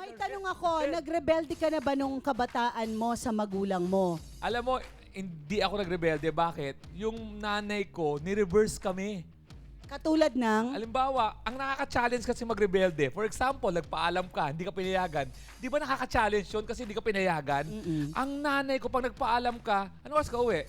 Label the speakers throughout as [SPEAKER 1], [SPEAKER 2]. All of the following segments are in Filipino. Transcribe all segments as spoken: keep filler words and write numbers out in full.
[SPEAKER 1] May tanong ako, nagrebelde ka na ba nung kabataan mo sa magulang mo?
[SPEAKER 2] Alam mo, hindi ako nagrebelde. Bakit? Yung nanay ko, ni-reverse kami.
[SPEAKER 1] Katulad ng,
[SPEAKER 2] Halimbawa, ang nakaka-challenge kasi magrebelde. For example, nagpaalam ka, hindi ka pinayagan. Di ba nakaka-challenge yun kasi hindi ka pinayagan?
[SPEAKER 1] Mm-mm.
[SPEAKER 2] Ang nanay ko, pag nagpaalam ka, ano oras ka uwi?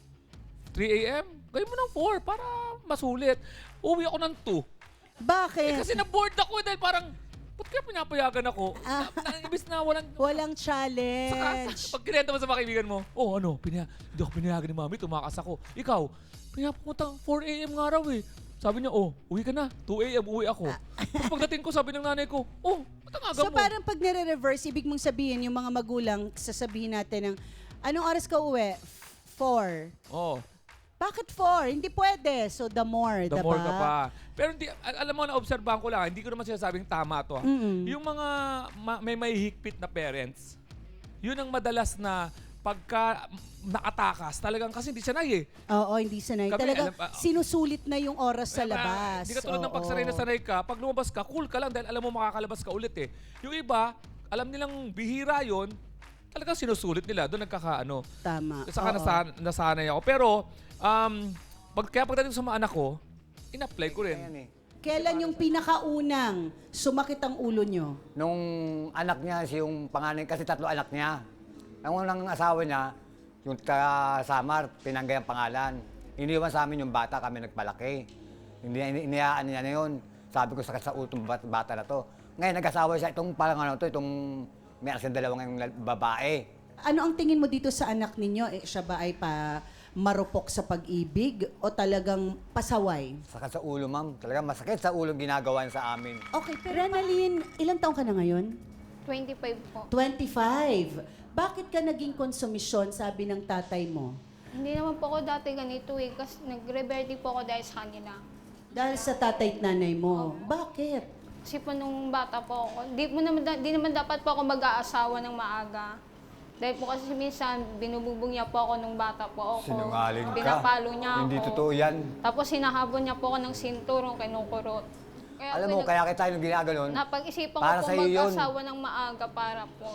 [SPEAKER 2] three a m? Gawin mo ng four para masulit. Uwi ako ng two. Eh,
[SPEAKER 1] bakit?
[SPEAKER 2] kasi na-bored ako dahil parang, ba't kaya pinapayagan ako?
[SPEAKER 1] Ah.
[SPEAKER 2] Na, na, ibis na walang...
[SPEAKER 1] Walang
[SPEAKER 2] Saka,
[SPEAKER 1] challenge.
[SPEAKER 2] pag kinenta mo sa mga kaibigan mo, oh ano, pinaya, hindi ako pinayagan ni mami, tumakas ako. Ikaw, pinapunta four a m nga raw eh. Sabi niya, oh, uwi ka na. two a m uwi ako. Tapos pagdating ko, sabi ng nanay ko, oh, ba't ang aga
[SPEAKER 1] So
[SPEAKER 2] mo?
[SPEAKER 1] parang pag nire-reverse, ibig mong sabihin, yung mga magulang, sasabihin natin ng, anong oras ka uwi? Four.
[SPEAKER 2] Oh,
[SPEAKER 1] Bakit four? Hindi pwede. So the more,
[SPEAKER 2] the
[SPEAKER 1] diba?
[SPEAKER 2] more ka pa. Pero hindi, al- alam mo, na-obserbahan ko lang, hindi ko naman sinasabing tama to. ah.
[SPEAKER 1] Mm-mm.
[SPEAKER 2] Yung mga ma- may may higpit na parents, yun ang madalas na pagka nakatakas, talagang kasi hindi siya nai eh.
[SPEAKER 1] Oo, hindi sanay.
[SPEAKER 2] Kami,
[SPEAKER 1] Talaga,
[SPEAKER 2] alam- ah,
[SPEAKER 1] sinusulit na yung oras sa
[SPEAKER 2] Diba?
[SPEAKER 1] labas.
[SPEAKER 2] Hindi ka tulad ng
[SPEAKER 1] Oo.
[SPEAKER 2] pag sanay na sanay ka, pag lumabas ka, cool ka lang dahil alam mo makakalabas ka ulit eh. Yung iba, alam nilang bihira yon, talagang sinusulit nila. Doon nagkakaano.
[SPEAKER 1] Tama.
[SPEAKER 2] Saka
[SPEAKER 1] Oo.
[SPEAKER 2] nasan, nasanay ako. Pero, um, pag, kaya pagdating sa mga anak ko, in-apply ko rin.
[SPEAKER 3] Ayan eh.
[SPEAKER 1] Kailan yung pinakaunang sumakit ang ulo nyo?
[SPEAKER 3] Nung anak niya, si yung panganay, kasi tatlo anak niya. Ang unang asawa niya, yung taga Samar, Pinanggay ang pangalan. Iniwan sa amin yung bata, kami nagpalaki. Hindi, ini- iniyaan niya na yun. Sabi ko, sakit sa ulo tong bat- bata na to. Ngayon, nag-asawa siya, itong parang ano to, itong may asin dalawang lal- babae.
[SPEAKER 1] Ano ang tingin mo dito sa anak ninyo? Eh, siya ba ay pa marupok sa pag-ibig o talagang pasaway?
[SPEAKER 3] Sakit sa ulo, ma'am. Talaga masakit sa ulo ang ginagawa niya sa amin.
[SPEAKER 1] Okay, pero Renalyn, ilang taong ka na ngayon?
[SPEAKER 4] twenty-five po.
[SPEAKER 1] twenty-five. Bakit ka naging konsumisyon, sabi ng tatay mo?
[SPEAKER 4] Hindi naman po ako dati ganito eh, kasi nag-rebelde po ako dahil sa kanila.
[SPEAKER 1] Dahil sa tatay at nanay mo. Bakit?
[SPEAKER 4] Kasi po nung bata po ako, di, mo naman, da- di naman dapat po ako mag-aasawa ng maaga. Dahil po kasi minsan, binubugbog niya po ako nung bata po ako.
[SPEAKER 3] Sinungaling ka.
[SPEAKER 4] Pinapalo niya ako.
[SPEAKER 3] Hindi totoo yan.
[SPEAKER 4] Tapos hinahabol niya po ako ng sinturong kinukurot. Kaya
[SPEAKER 3] Alam
[SPEAKER 4] po,
[SPEAKER 3] mo,
[SPEAKER 4] nag-
[SPEAKER 3] kaya kita yung ginaganon.
[SPEAKER 4] napag-isipan
[SPEAKER 3] para
[SPEAKER 4] ko po
[SPEAKER 3] sa'yo yun.
[SPEAKER 4] mag-asawa ng maaga para po.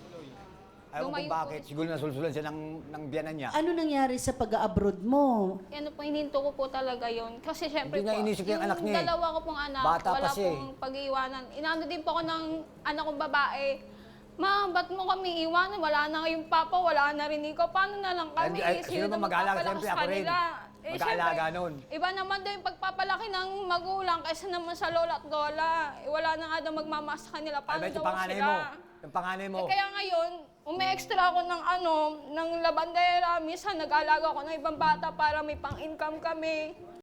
[SPEAKER 3] Ayaw
[SPEAKER 4] lumayo
[SPEAKER 3] kung
[SPEAKER 4] po.
[SPEAKER 3] bakit. Siguro nasulsulan siya ng, ng biyanan niya.
[SPEAKER 1] Ano nangyari sa pag-abroad mo?
[SPEAKER 4] Ano po, hininto ko po talaga yon. Kasi syempre
[SPEAKER 3] Hindi niya
[SPEAKER 4] po,
[SPEAKER 3] inisip yung anak niya eh.
[SPEAKER 4] dalawa ko pong anak,
[SPEAKER 3] Bata pa
[SPEAKER 4] wala
[SPEAKER 3] siya eh.
[SPEAKER 4] pong pag-iiwanan. Inano din po ako ng anak kong babae. Ma, ba't mo kami iwanan? Wala na kayong papa, wala na rin ikaw. Paano na lang kami?
[SPEAKER 3] Ay, ay,
[SPEAKER 4] Sino
[SPEAKER 3] sino ba
[SPEAKER 4] na
[SPEAKER 3] mag-aalaga?
[SPEAKER 4] magpapalakas
[SPEAKER 3] Siyempre, ako rin.
[SPEAKER 4] kanila? Eh,
[SPEAKER 3] Mag-aalaga
[SPEAKER 4] syempre,
[SPEAKER 3] nun.
[SPEAKER 4] Iba naman daw yung pagpapalaki ng magulang kaysa naman sa lola at lola. Eh, wala na nga daw magmamahal sa kanila.
[SPEAKER 3] Ay,
[SPEAKER 4] Paano
[SPEAKER 3] bet
[SPEAKER 4] daw
[SPEAKER 3] yung panganay
[SPEAKER 4] sila?
[SPEAKER 3] mo. Yung panganay mo.
[SPEAKER 4] Eh, kaya ngayon, umi-extra ako ng ano, ng labandera. Minsan nag-alaga ako ng ibang bata para may pang-income kami.